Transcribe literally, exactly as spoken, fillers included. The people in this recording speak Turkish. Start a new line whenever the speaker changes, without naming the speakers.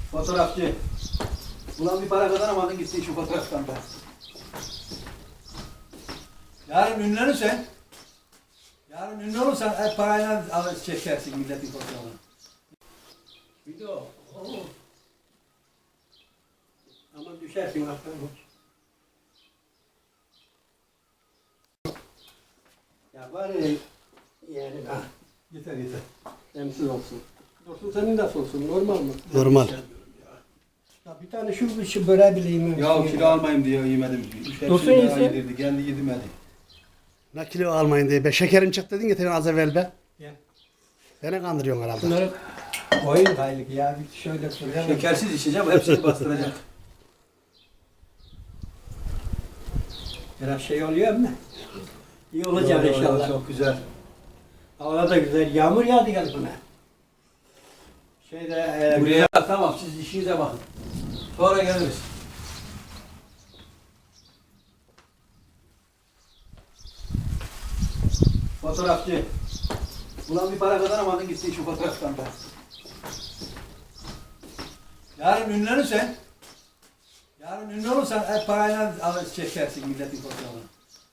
Fotoğrafçı. Ulan bir para kazanamadın gittin şu fotoğraftan da. Yarın ünlenirsen, yarın ünlü olursan hep parayla alır çekersin milletin fotoğrafını. Video. Oo. Ama düşersin aklına. Ya bari yani ha. Yeter yeter.
Temsil olsun. Dursun senin nasıl olsun? Normal mı?
Normal.
Ya bir tane şu şu böreği bile yemem.
Ya kilo almayayım diye yemedim.
Dursun
Hepsini
yesin.
yedirdi. Kendi yedirmedi.
Ne kilo almayın diye. Be şekerim çıktı dedin getirin az evvel be.
Ya.
Beni kandırıyorsun herhalde.
Bunları koyun kaylık ya. Bir şöyle şöyle.
Şekersiz içeceğim, hepsini bastıracak.
Biraz şey oluyor mu? İyi olacak
Yo, yo, yo,
inşallah.
çok güzel.
Hava da güzel. Yağmur yağdı gel buna. Şeyde e,
Buraya tamam, siz işinize bakın. Sonra geliriz. Fotoğrafçı. Ulan bir para kazanamadın gittin şu fotoğraftan da. Yarın ünlenirsen, yarın ünlü olursan hep parayla alır çekersin milletin fotoğrafını.